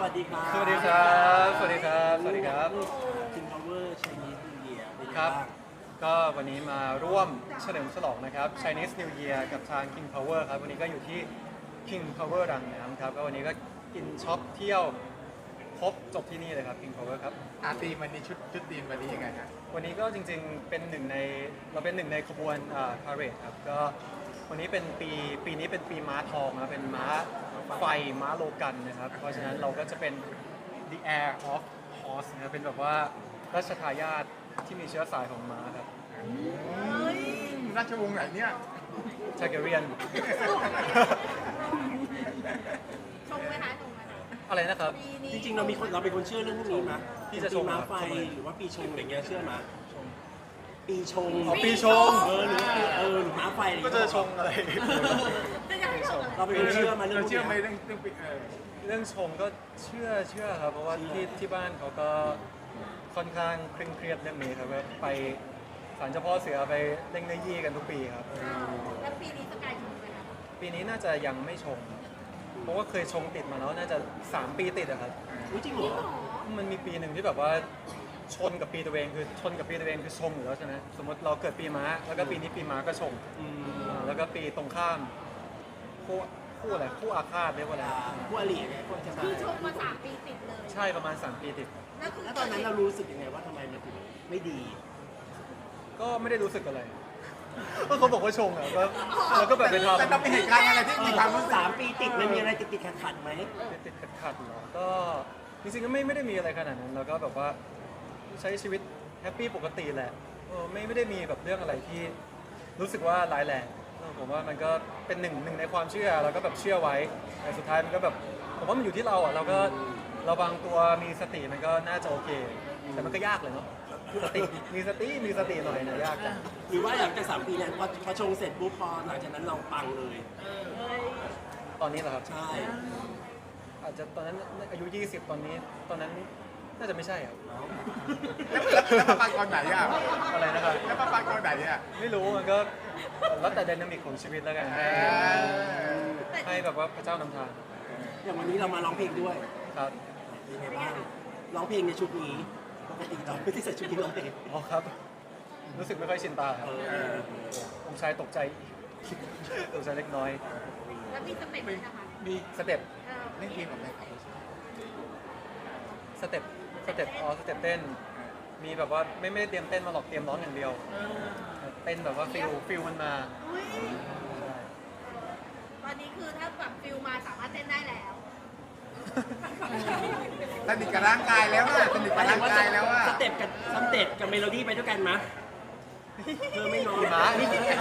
สดีครับสวัสดีครับสวัสดีครับสวัสดีครับ King Power Chinese New Year เป็นยังไงครับบ้างก็วันนี้มาร่วมเฉลิมฉลองนะครับ Chinese New Year กับทาง King Power ครับ วันนี้ก็อยู่ที่ King Power รังน้ำครับก็วันนี้ก็กินช็อปเที่ยวครบจบที่นี่เลยครับ King Power ครับตีมวันนี้ชุดตีมวันนี้ยังไงครับวันนี้ก็จริงๆเป็นหนึ่งในขบวนพาเหรดครับก็วันนี้เป็นปีนี้เป็นปีม้าทองนะเป็นม้าไฟม้าโลกันนะครับ เพราะฉะนั้นเราก็จะเป็น the air of horse นะครับเป็นแบบว่าราชทายาทที่มีเชื้อสายของม้าครับราชวงศ์ไหนเนี่ยชาเกเรียนชงไหมคะชงไหมคะอะไรนะครับปีนี้จริงๆเราเป็นคนเชื่อเรื่องพวกนี้มั้ยพี่จะชงปีม้าไฟชงอะไรหรือว่าปีชงอะไรเงี้ยเชื่อมั้ยปีชงอ๋อปีชงหรือม้าไฟอะไรก็เงี้ยจะชงอะไรจะยังไม่ชงอะไรเราเป็นคนเชื่อมาเรื่เราองพวกเชื่อไหมเนี้ยเรื่องปีเรื่องชงก็เชื่อครับเพราะว่าที่บ้านเขาก็ค่อนข้างเคร่งเครียดเรื่องนี้ครับว่าไปศาลเจ้าพ่อเสือไปเล่งเนยี่กันทุกปีครับแล้วปีนี้สกายชงไหมคะปีนี้น่าจะยังไม่ชง เพราะว่าเคยชงติดมาแล้วน่าจะ3 ปีติดอะครับอุ๊ยจริงเหรจริงอเหรอมันมีปีหนึ่งที่แบบว่าชนกับปีตัวเองคือชนกับปีตัวเองคือชงอยู่แล้วใช่ไหมสมมติเราเกิดปีม้าแล้วก็ปีนี้ปีม้าก็ชงอืมแล้วก็ปีตรงข้ามคู่อะไรคู่อาฆาตเรียกว่าอะไรผู้อริไงพวกจะมาคือชงมา3 ปีติดเลยใช่ประมาณ3 ปีติดแล้วคือแล้วตอนนั้นเรารู้สึกยังไงว่าทำไมมันถึงไม่ดีก็ไม่ได้รู้สึกอะไรก็เขาบอกว่าชงอ่ะก็เราก็แบบไปทำแต่ต้องมีเหตุการณ์อะไรที่มีความรู้สึก 3 ปีติดมันมีอะไรติดขัดไหมติดขัดๆเหรอก็จริงๆก็ไม่ได้มีอะไรขนาดนั้นแล้วก็แบบว่าใช้ชีวิตแฮปปี้ปกติแหละไม่ได้มีแบบเรื่องอะไรที่รู้สึกว่าร้ายแรงผมว่ามันก็เป็นหนึ่งในความเชื่อเราก็แบบเชื่อไว้แต่สุดท้ายมันก็แบบผมว่ามันอยู่ที่เราอ่ะเราก็ระวังตัวมีสติมันก็น่าจะโอเค แต่มันก็ยากเลยเนาะสติมีสติหน่อยนะยากจังหรือว่าหลังจาก3 ปีนั้นพอชงเสร็จปุ๊บพอหลังจากนั้นเราปังเลยตอนนี้เหรอครับใช่อาจจะตอนนั้นอายุ 20 ตอนนั้นน่าจะไม่ใช่ครับแล้วประมาณก่อนไหนอ่ะอะไรนะครับแล้วประมาณก่อนไหนอ่ะไม่รู้มันก็แล้วแต่ไดนามิกของชีวิตแล้วกันให้แบบว่าพระเจ้านำทางอย่างวันนี้เรามาร้องเพลงด้วยครับเป็นไงบ้างร้องเพลงในชุดนี้ปกติเราไม่ได้ใส่ชุดนี้ร้องเพลงอ๋อครับ รู้สึกไม่ค่อยชินตาครับองค์ชายตกใจตกใจเล็กน้อยแล้วมีสเต็ปไหมนะคะมีสเต็ปเล่นเกมกับอะไรครับสเต็ปสเต็ปเต้น มีแบบว่าไม่ได้เตรียมเต้นมาหรอกเตรียมร้องอย่างเดียวเต้นแบบว่าฟิลมันมาอุ๊ยตอนนี้คือถ้าแบบฟิลมาสามารถเต้นได้แล้วสนิทกับร่างกายแล้วอ่ะสนิทกับร่างกายแล้วอ่ะสเต็ปกับเมโลดี้ไปด้วยกันมะเธอไม่น้อยพี่ม้า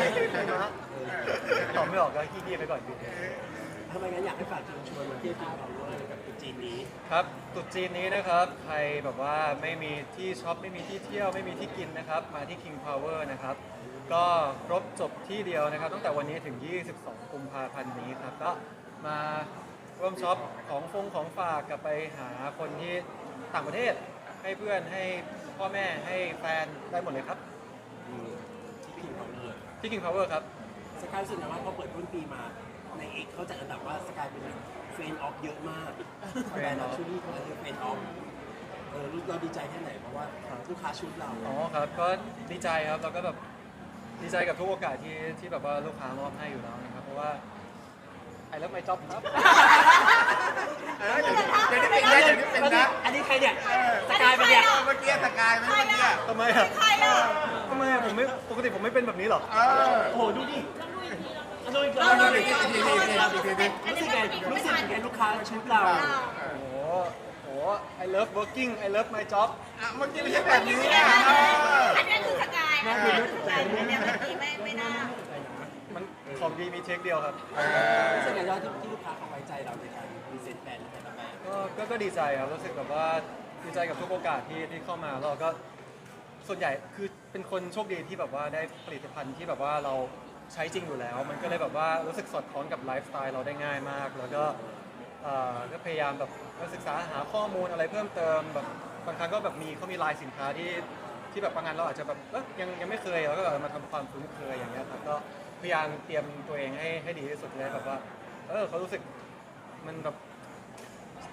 ตอบไม่ออกก็ขี้ๆไปก่อนดีทำไมงั้นอยากให้ฝากเชิญชวนมาเที่ยวกินเราด้วยกับตุ๊จีนนี้ครับตรุษจีนนี้นะครับ ใครแบบว่าไม่มีที่ช็อป ไม่มีที่เที่ยว ไม่มีที่กินนะครับ มาที่ King Power นะครับ ก็ครบจบที่เดียวนะครับ ตั้งแต่วันนี้ถึง 22 กุมภาพันธ์นี้ครับ ก็มาร่วมช็อปของฝากกลับไปหาคนที่ต่างประเทศ ให้เพื่อน ให้พ่อแม่ ให้แฟนได้หมดเลยครับที่พิงเขาเลยที่ King Power ครับสกายรู้สึกนะว่าพอเปิดต้นปีมาในเอกเขาจัดอันดับว่าสกายเป็นเฟรนออฟเยอะมากแบรนด์ชุดนี้เขาเป็นเฟรนออฟเราดีใจแค่ไหนเพราะว่าลูกค้าชุดเราอ๋อครับ ก็ดีใจครับ แล้วก็แบบดีใจกับทุกโอกาสที่แบบว่าลูกค้ามอบให้อยู่แล้วนะครับ เพราะว่าไอ้เลิฟไมจ็อบครับเดี๋ยวนี้เป็นนะอันนี้ใครเนี่ยสกายเป็นเนี่ยเมื่อกี้สกายไหมเมื่อกี้ทำไมอ่ะใครอ่ะทำไมอะผมไม่ปกติผมไม่เป็นแบบนี้หรอโอ้โหดูดิดูอีกเราแล้วดูอีกทีรู้สึกไงลูกค้าชุดเราโอ้โห I love working I love my job เมื่อกี้ไม่ใช่แบบนี้อ่ะอันนี้คือสกายนะอันนี้เมื่อกี้ไม่น่ามันของดีมีเทคเดียวครับรู้สึกไงยอดที่ลูกค้าเขาไว้ใจเราในการพรีเซนต์แบรนด์แต่ละแบรนด์ก็ดีใจครับ รู้สึกแบบว่าดีใจกับทุกโอกาสที่เข้ามาแล้วก็ส่วนใหญ่คือเป็นคนโชคดีที่แบบว่าได้ผลิตภัณฑ์ที่แบบว่าเราใช้จริงอยู่แล้ว มันก็เลยแบบว่ารู้สึกสอดคล้องกับไลฟ์สไตล์เราได้ง่ายมาก แล้วก็ก็พยายามแบบศึกษาหาข้อมูลอะไรเพิ่มเติมแบบบางครั้งก็แบบเขามีไลน์สินค้าที่แบบบางงานเราอาจจะแบบยังไม่เคยเราก็แบบมาทำความคุ้นเคยอย่างเงี้ยครับก็พยายามเตรียมตัวเองให้ดีที่สุดเลยแบบว่าเขารู้สึกมันแบบ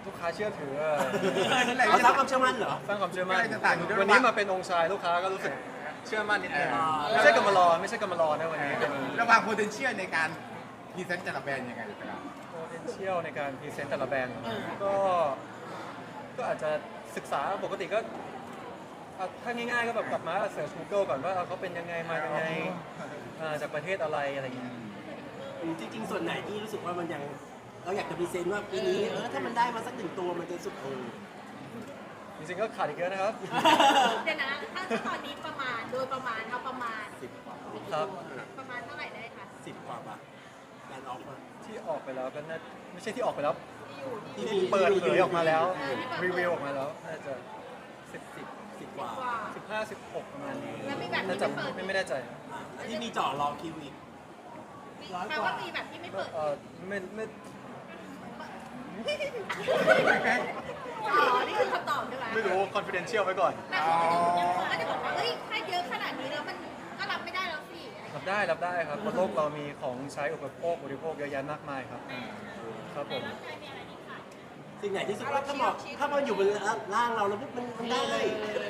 ลูกค้าเชื่อถือเราสร้างความเชื่อมั่นเหรอสร้างความเชื่อมั่นจะต่างอยู่ด้วยวันนี้มาเป็นองค์ชายลูกค้าก็รู้สึกเชื่อมั่นนิดนึงอ่าไม่ใช่กำมารอไม่ใช่กำมารอนะวันนี้เป็นระหว่าง potential ในการพรีเซนต์แต่ละแบรนด์ยังไงครับ potential ในการพรีเซนต์แต่ละแบรนด์ก็อาจจะศึกษาปกติก็ถ้าง่ายๆก็แบบกลับมาเสิร์ช Google ก่อนว่าเขาเป็นยังไงมายังไงจากประเทศอะไรอะไรอย่างเงี้ยจริงๆส่วนไหนที่รู้สึกว่ามันยังเราอยากจะพรีเซนต์ว่าปีนี้ถ้ามันได้มาสักหนึ่งตัวมันจะสุดจริงๆก็ขาดอีกเยอะนะครับเดี๋ยวนะถ้าตอนนี้ประมาณโดยประมาณเอาประมาณ 10 กว่าครับประมาณเท่าไหร่ได้คะ 10 กว่าบาทแบรนด์ออกมาที่ออกไปแล้วก็น่าไม่ใช่ที่ออกไปแล้วที่อยู่ที่ที่มีเปิดเผยออกมาแล้วเออที่เปิดเผยรีวิวออกมาแล้วน่าจะ 10 กว่ากว่า 15-16ประมาณนี้แล้วมีแบบที่น่าจะไม่เปิดไม่แน่ใจที่มีเจาะรอคิวอีกแปลว่ามีแบบที่ไม่เปิดไม่อ๋อนี่คือคำตอบใช่ไหมไม่รู้ confidential ไว้ก่อนแต่ก็จะบอกว่าเฮ้ยถ้าเยอะขนาดนี้แล้วมันก็รับไม่ได้แล้วสิรับได้ครับบนโลกเรามีของใช้อุปโภคบริโภคเยอะแยะมากมายครับครับผมสิ่งไหนที่สุดว่าถ้ามันอยู่บนร่างเราแล้วปุ๊บมันได้เลย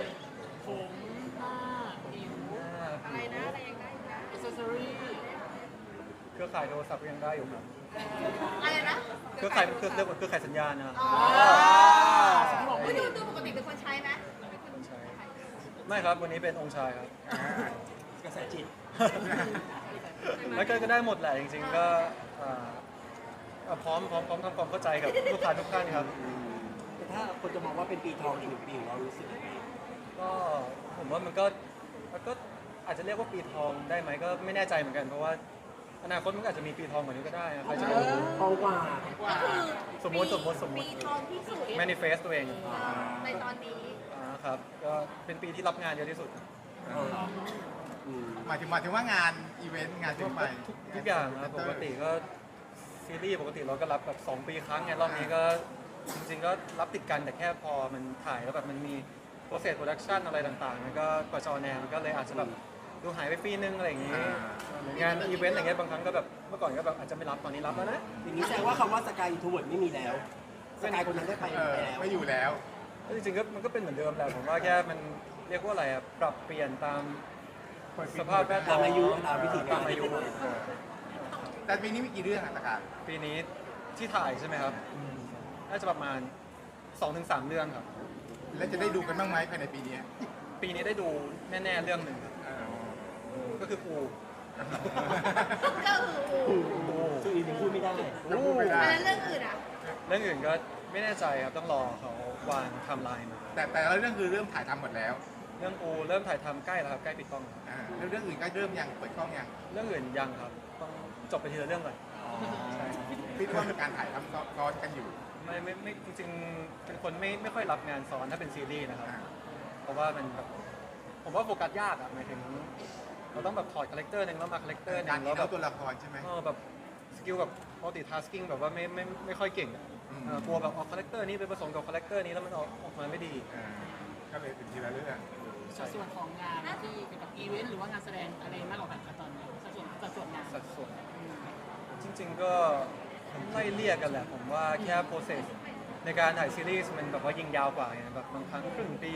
อะไรนะอะไรยังได้นะเครือข่ายโทรศัพท์ก็ยังได้อยู่ครับอะไรนะเครือข่ายเรียกว่าเครือข่ายสัญญาณนะครับอ๋อคุณดูปกติเป็นคนใช้ไหมใช่ไม่ครับวันนี้เป็นองค์ชายครับกระแสจิตแล้วก็ได้หมดแหละจริงๆก็พร้อมทำความเข้าใจกับลูกค้าทุกท่านครับแต่ถ้าคนจะมองว่าเป็นปีทองอีกหนึ่งปีของเรารู้สึกยังไงก็ผมว่ามันก็อาจจะเรียกว่าปีทองได้ไหมก็ไม่แน่ใจเหมือนกันเพราะว่าอนาคตมันก็อาจจะมีปีทองกว่านี้ก็ได้นะใครจะรู้ทองกว่าก็คือสมมุติปีทองที่สุด manifest ตัวเองในตอนนี้ครับก็เป็นปีที่รับงานเยอะที่สุดหมายถึงว่างานอีเวนต์งานทั่วไปทุกอย่างนะปกติก็ซีรีส์ปกติเราก็รับแบบ2 ปีครั้งไงรอบนี้ก็จริงๆก็รับติดกันแต่แค่พอมันถ่ายแล้วแบบมันมี process production อะไรต่างๆมันก็กว่าจะออนแอร์มันก็เลยอาจจะแบบดูหายไปปีนึงอะไรอย่างงี้เหมือนงานอีเวนต์อย่างเงี้ยบางครั้งก็แบบเมื่อก่อนก็แบบอาจจะไม่รับตอนนี้รับแล้วนะอย่างนี้แสดงว่าคำว่าสกายอินทูเวิร์ดไม่มีแล้วสกายคนนั้นได้ไปแล้วไม่อยู่แล้วแล้วจริงๆก็มันก็เป็นเหมือนเดิมแหละผมว่าแค่มันเรียกว่าอะไรอะปรับเปลี่ยนตามสภาพแวดล้อมตามอายุตามวิถีตามอายุแต่ปีนี้มีกี่เรื่องอ่ะตะการปีนี้ที่ถ่ายใช่ไหมครับน่าจะประมาณ 2-3 เรื่องครับแล้วจะได้ดูกันบ้างไหมภายในปีนี้ปีนี้ได้ดูแน่ๆเรื่องหนึ่งครับก็คือปูก็คือซึ่งอีกหนึ่งพูดไม่ได้พูดไม่ได้แล้วเรื่องอื่นอ่ะเรื่องอื่นก็ไม่แน่ใจครับต้องรอเขาวางไทม์ไลน์มาแต่ละเรื่องคือเริ่มถ่ายทำหมดแล้วเรื่องปูเริ่มถ่ายทำใกล้แล้วครับใกล้ปิดกล้องแล้วแล้วเรื่องอื่นก็เริ่มยังเปิดกล้องยังเรื่องอื่นยังครับต้องจบไปทีละเรื่องก่อนพี่ว่ามีการถ่ายทำซ้อนกันอยู่ไม่จริงๆเป็นคนไม่ค่อยรับงานซ้อนถ้าเป็นซีรีส์นะครับ เพราะว่ามันแบบผมว่าโฟกัสยากอะหมายถึงเราต้องแบบถอดคาแรคเตอร์หนึ่งแล้วมาคาแรคเตอร์หนึ่การงที่แล้วแบเราบตัวละครใช่ไหมแบบสกิลแบบ multitasking แบบว่าไม่ค่อยเก่งอะกลัวแบบเอาคาแรคเตอร์นี้ไปผสมกับคาแรคเตอร์นี้แล้วมันออกมาไม่ดีก็เลยเป็นทีละเรื่องใช่ส่วนของงานที่เกี่ยวกับอีเวนต์หรือว่างานแสดงอะไรมากกว่ากันคะตอนนี้สัดส่วนงานสัดส่วนจริงๆก็ไล่เลี่ยกันแหละผมว่าแค่ process ในการถ่ายซีรีส์มันแบบว่ายิงยาวกว่าไงแบบบางครั้งครึ่งปี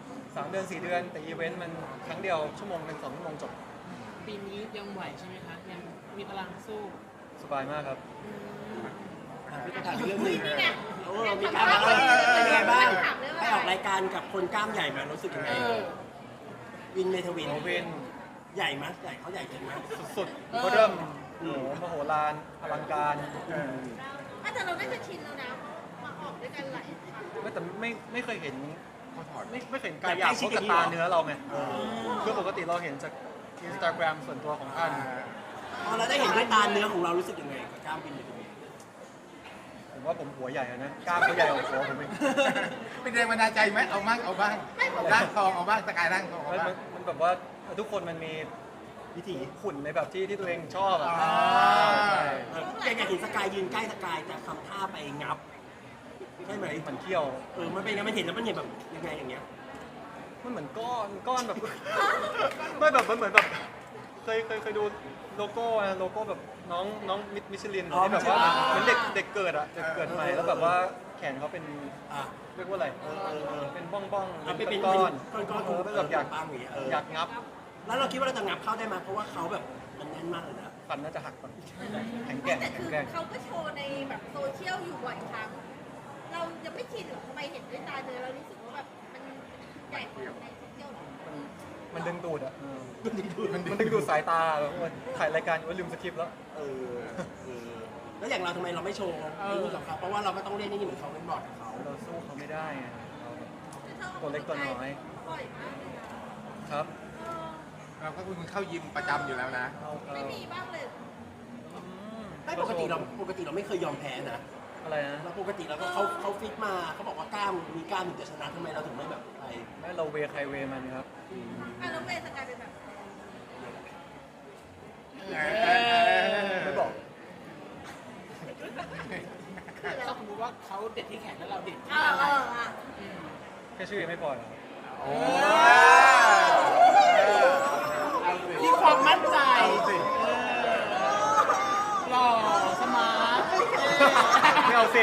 3 เดือน 4 เดือน แต่อีเวนต์มันครั้งเดียว1 ชั่วโมง 2 ชั่วโมงจบปีนี้ยังไหวใช่ไหมคะ ยังมีพลังสู้สบายมากครับพี่ก็ถามเรื่องหนึงนี่ไงมีการมาเป็นยังไงบ้างให้ออกรายการกับคนกล้ามใหญ่มารู้สึกยังไงวินเมทวินโอเว่นใหญ่ไหมใหญ่เขาใหญ่จริงไหมสุดๆก็เริ่มโอ้โหมโหฬารอลังการแต่เราได้จะชินแล้วนะมาออกด้วยกันหลายครั้งแต่ไม่เคยเห็นเขาถอดไม่เคยเห็นกายหยาบเขากับตาเนื้อเราไงคือปกติเราเห็นจาก Instagram ส่วนตัวของท่านพอเราได้เห็นด้วยตาเนื้อของเรารู้สึกยังไงกับกล้ามวินเมทวินผมว่าผมหัวใหญ่อะนะกล้ามเขาใหญ่กว่าหัวผมอีกเป็นแรงบันดาลใจไหมเอาบ้างร่างทองเอาบ้างสกายร่างทองเอาบ้างมันแบบว่าทุกคนมันมีวิถีหุ่นในแบบที่ตัวเองชอบอะแกอยากเห็นสกายยืนใกล้สกายแต่ทำท่าไปงับใช่ไหมมันเขี้ยวมันเป็นไงมันเห็นแล้วมันเห็นแบบยังไงอย่างเงี้ยมันเหมือนก้อนแบบ ไม่แบบมันเหมือนแบบเคยดูโลโก้แบบน้องมิชลินที่แบบว่าเหมือนเด็กเกิดอะเด็กเกิดใหม่แล้วแบบว่าแขนเขาเป็นอ่ะเรียกว่าอะไร เป็นบ้องๆอ่ะเป็นเป็นก้อนก้อนๆเป็นแบบอยากปังอย่างเงี้ยอยากงับแล้วเราคิดว่าเราจะงับเข้าได้ไหมเพราะว่าเขาแบบมันแน่นมากเลยนะฟันน่าจะหักก่อนแข็งแกร่งแต่แข็คืงอแกร่งเขาก็โชว์ในแบบโซเชียลอยู่บ่อยครั้ง เรายังไม่ชินหรอทำไมเห็นด้วยตาเลยเรารู้สึกว่าแบบมันใหญ่กว่าในโซเชียลหรอมันดึงดูดอ่ะมันดึงดูดมันดึงดูดสายตาแบบว่าถ่ายรายการอยู่ว่าลืมสคริปต์แล้วเออแล้วอย่างเราทำไมเราไม่โชว์ไอ้นี่กับเขาเพราะว่าเราก็ต้องเล่นนี่เหมือนเขาเป็นบอร์ดกับเขาเราสู้เขาไม่ได้ไงเราคือถ้าตัวเล็กตัวน้อยบ่อยมากเลยนะครับ เออเราก็คุณเข้ายิมประจำอยู่แล้วนะเราไม่มีบ้างเลยไม่ปกติเราไม่เคยยอมแพ้นะอะไรนะเราปกติเราก็เขาฟิตมาเขาบอกว่ากล้ามมีกล้ามถึงจะชนะทำไมเราถึงไม่แบบไปไม่เราเวใครเวมันครับอ่ะแล้วเวย์สกายเป็นแบบไม่บอกคืออะไรถ้าสมมติว่าเขาเด็ดที่แขนแล้วเราเด็ดที่อ่าอะไรอ่าแค่ชื่อยังไม่พอเหรอโอ้ที่ความมั่นใจเอาสิหล่อสมาร์ทไม่เอาสิ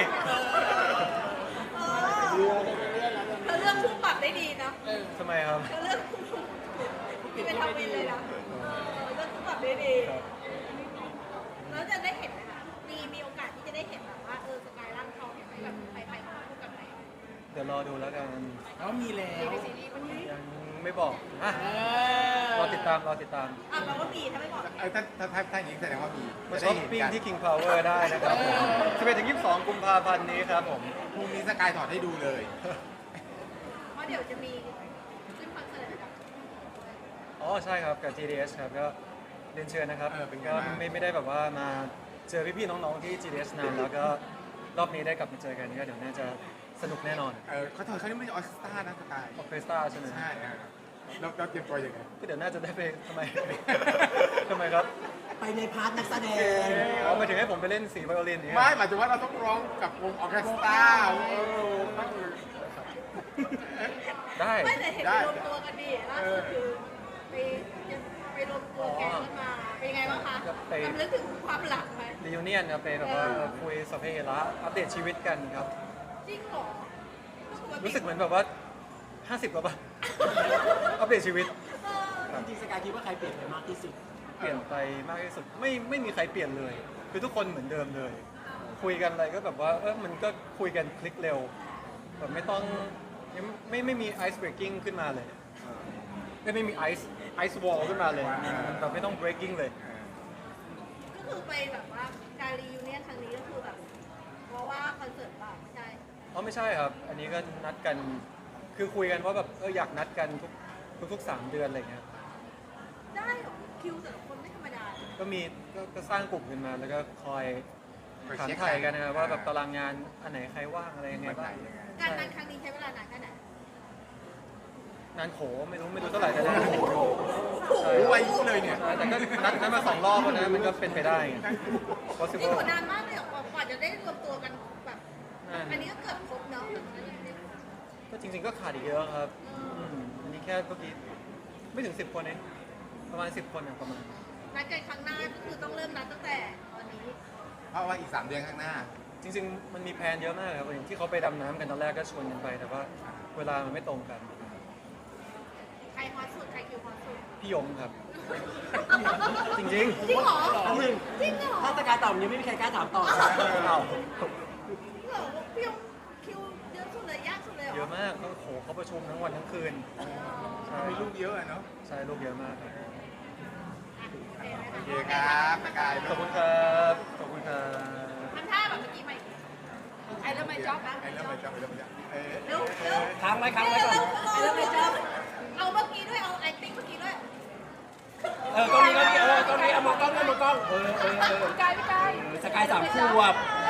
เธอเลือกคู่ปรับได้ดีนะทำไมครับเธอเลือกคู่ที่เป็นทวินเลยนะเลือกคู่ปรับได้ดี แล้วจะได้เห็นไหมคะมีโอกาสที่จะได้เห็นแบบว่าสกายร่างทองเห็นไหมแบบไปคู่กันไหมเดี๋ยวรอดูแล้วกันแล้วมีแล้วในซีรีส์วันนี้ยังไม่บอกอ่ะเอรอติดตามรอติดตามอ่ะเราก็มีถ้าไม่บอกถ้าอย่างนี้แสดงว่ามีมาจะช้ได้อปเห็นปิ้งกันที่ King Power ได้นะครับ11ถึง22 กุมภาพันธ์นี้ครับผมพรุ่งนี้สกายถอดให้ดูเลยเพราะเดี๋ยวจะมีขึ้นคอนเสิร์ตกับอ๋อใช่ครับกับ GDS ครับก็เรียนเชิญนะครับเป็นไงก็บ้างไม่ได้แบบว่ามาเจอพี่ๆน้องๆที่ GDS นานแล้วก็รอบนี้ได้กลับมาเจอกันก็เดี๋ยวน่าจะสนุกแน่นอนเขาถอดเขานี่ไม่ใช่ออสตานะสกายออเคสตราใช่ไหมใช่เราเตรียมตัวยังไงก็เดี๋ยวน่าจะได้ไปทำไม ทำไมครับไปในพาร์ทนักแสดงอ๋อหมายถึงให้ผมไปเล่นสีไวโอลินอย่างไม่เงี้ยหมายถึงว่าเราต้องร้องกับวงออร์เคสตราต้องได้ไม่แต่เห็นไปรวมตัวกันดิล่าสุดคือไปรวมตัวแกงกันมาเป็นยังไงบ้างคะจำลึกถึงความหลังไหมรี u n เนียนครับไปแบบว่าคุยสัพเพเหระอัปเดตชีวิตกันครับจริงเหรอรู้สึกเหมือนแบบว่า 50กว่าป่ะ อัปเดตชีวิตจริงๆสกายคิดว่าใครเปลี่ยนไปมากที่สุดเปลี่ยนไปมากที่สุดไม่มีใครเปลี่ยนเลย คือทุกคนเหมือนเดิมเลย คุยกันอะไรก็แบบว่ามันก็คุยกันคลิกเร็วแบบไม่ต้องยังไม่มีไอซ์เบรกกิ้งขึ้นมาเลยไม่มีไอซ์วอลขึ้นมาเลยมันแบบไม่ต้อง breaking เลยก็คือไปแบบว่าการรียูเนียนครั้งนี้ก็คือแบบเพราะว่าคอนเสิร์ตเปล่าไม่ใช่อ๋อไม่ใช่ครับ อันนี้ก็นัดกัน คือคุยกันว่าแบบอยากนัดกันทุก3 เดือนอะไรเงี้ยได้เหรอคิวแต่ละคนไม่ธรรมดาก็มีก็สร้างกลุ่มขึ้นมาแล้วก็คอยถามไทยกันนะครับว่าแบบตารางงานอันไหนใครว่างอะไรยังไงวันไหนบ้างยังไงการนัดครั้งนี้ใช้เวลานานแค่ไหนงานโขไม่รู้เท่าไหร่แต่งานโขใช่รู้อายุเลยเนี่ยใช่แต่ก็นัดมา2 รอบแล้วนะมันก็เป็นไปได้ไงนี่ possible กว่านานมากเลยเหรอกว่าจะได้รวมตัวกันแบบอันนี้ก็เกือบครบเนาะก็จริงๆก็ขาดอีกเยอะครับอันนี้แค่เมื่อกี้ไม่ถึง10 คนเองประมาณ10 คนอะประมาณนัดกันครั้งหน้าก็คือต้องเริ่มนัดตั้งแต่ตอนนี้เพราะว่าอีก3 เดือนข้างหน้าจริงๆมันมีแพลนเยอะมากครับอย่างที่เขาไปดำน้ำกันตอนแรกก็ชวนกันไป แต่ว่าเวลามันไม่ตรงกันใครฮอตสุดใครคิวฮอตสุดพี่ยงครับ จริงจริงเหรออันหนึ่งจริงเหรอถ้าสกายตอบอย่างนี้ไม่มีใครกล้าถามต่อๆเอาเหรอพี่ยงคิวเยอะสุดเลยยากสุดเลยเหรอเยอะมากก็โหเขาประชุมทั้งวันทั้งคืนใช่มีลูกเยอะอะเนาะใช่ลูกเยอะมากครับโอเคครับสกายขอบคุณครับขอบคุณครับทำท่าแบบเมื่อกี้ใหม่ไอ้เริ่มไม่จ๊อบนะไอ้เริ่มไปจับเร็วเร็วค้างไว้ก่อนเร็วไอ้เริ่มไม่จ๊อบเอาเมื่อกี้ด้วยเอาไอติ้งเมื่อกี้ด้วยกล้องนี้เอามองกล้องกายไม่กายสกาย3 ขวบ